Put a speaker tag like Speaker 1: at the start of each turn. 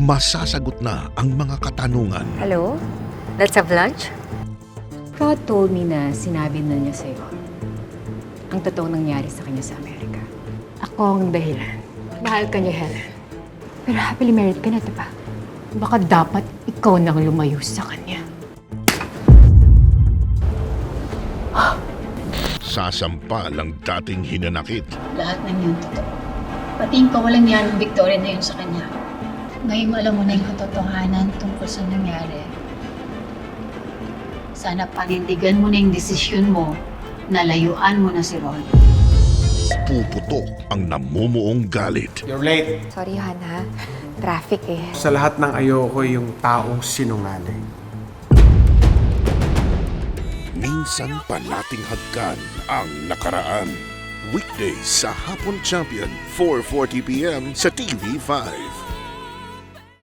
Speaker 1: masasagot na ang mga katanungan.
Speaker 2: Hello? Let's have lunch?
Speaker 3: Rod told me na sinabi na niya sa'yo ang totoong nangyari sa kanya sa Amerika. Ako ang dahilan. Mahal ka niya, Helen. Pero happily married ka na, diba? Baka dapat ikaw nang lumayo sa kanya.
Speaker 1: Sasampal ang dating hinanakit.
Speaker 4: Lahat ng yun totoo. Pati yung kawalang yan ng Victoria na yun sa kanya. Ngayon alam mo na yung katotohanan tungkol sa nangyari. Sana panindigan mo na yung desisyon mo na layuan mo na si Ron.
Speaker 1: Puputok ang namumuong galit.
Speaker 5: You're late.
Speaker 2: Sorry, Hana. Traffic eh.
Speaker 5: Sa lahat ng ayoko yung taong sinungaling.
Speaker 1: Minsan pa nating hagkan ang nakaraan. Weekdays sa Hapon Champion, 4:40 p.m. sa TV5.